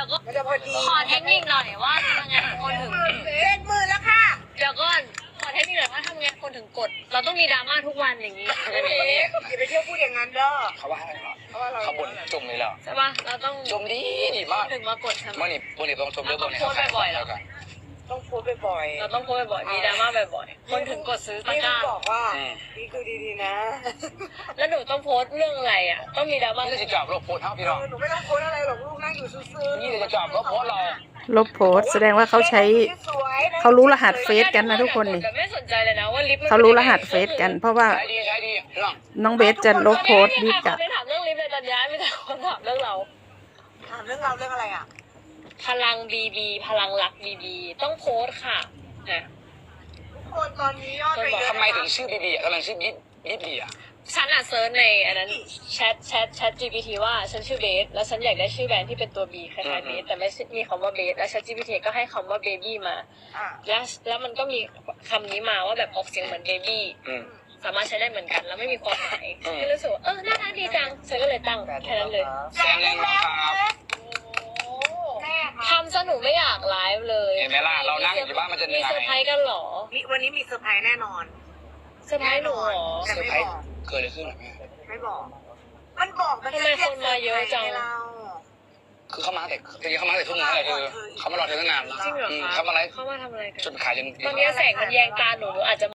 ก็มันจะพอดีขอเทคนิคหน่อยว่าทำยังไงคนถึง 70,000แล้วค่ะเดี๋ยวก่อนขอเทคนิคหน่อยว่าทำยังไงคนถึงกด เราต้องมีดราม่าทุกวันอย่างนี้อย่าไปเที่ยวพูดอย่างนั้นเด้อเขาว่าอะไรเหรอเพราะว่าเราเขาบ่นจมเลยเหรอใช่ปะเราต้องจมดีมากถึงมากดใช่ไหมเมื่อนี่ต้องชมเรื่องบนเนี่ยเราต้องโพสต์บ่อยๆเหรอต้องโพสต์บ่อยๆเราต้องโพสต์บ่อยๆมีดราม่าบ่อยๆคนถึงกดซื้อตะนี่กร้าบอกว่านี่คือดีๆนะแล้วหนูต้องโพสต์เรื่องอะไรอ่ะต้องมีดราม่านี่จะจับเราโพสเท่าพี่น้องหนูไม่ต้องโพสต์อะไรหรอกลูกนั่งอยู่ซื่อๆนี่จะจับเราโพสเราลบโพสต์แสดงว่าเขาใช้เขารู้รหัสเฟซกันนะทุกคนนี่แต่ไม่สนใจเลยนะว่าลิฟต์เขารู้รหัสเฟซกัน เพราะว่าใช้ดีพี่น้องน้องเบสจะลบโพสต์ดีค่ะจัดไม่ถามเรื่องลิฟต์เลยตอนย้ายไม่แต่คนถามเรื่องเราถามเรื่องเราเรื่องอะไรอ่ะพลังบีบีพลังรักบีบีต้องโพสต์ค่ะนะทุกคนตอนนี้ยอดไปเยอะทำไมถึงชื่อบีบีอ่ะทำไมชื่อยิบบีอ่ะฉันอ่ะเซิร์ชในอันนั้นแชท GPT ว่าฉันชื่อเบสแล้วฉันอยากได้ชื่อแบรนด์ที่เป็นตัว B คล้ายๆเบสแต่ไม่มีคำว่าเบสแล้ว Chat GPT ก็ให้คำว่าเบบี้มาอ่ะแล้วมันก็มีคำนี้มาว่าแบบออกเสียงเหมือนเบบี้สามารถใช้ได้เหมือนกันแล้วไม่มีความหมายก็รู้สึกว่าน่ารักดีจังฉันก็เลยตั้งแค่นั้นเลยแซงแรงมากครับแม่ค่ะทำซะหนูไม่อยากไลฟ์เลยเห็นไหมล่ะเรานั่งอยู่บ้านมันจะเหนื่มีอยเซอร์ไพรส์กันเหรอวันนี้มีเซอร์ไพรส์แน่นอนเซอร์ไพรส์หนูเหรอแต่เซอร์ไม่ไพรบส์อกเกิดอะไรขึ้นหรอแม่ไม่บอก มันบอกมันทำไมคนมาเยอะจังเราคือเขามาแต่จริงๆเขามาแต่ทุ่มนึงเลยคือเขามารอเธอตั้งนานจริงเหรอคะเขามาอะไรเขามาทำอะไรกันจนขายจนตอนนี้แสงมันแยงตาหนูอาจจะ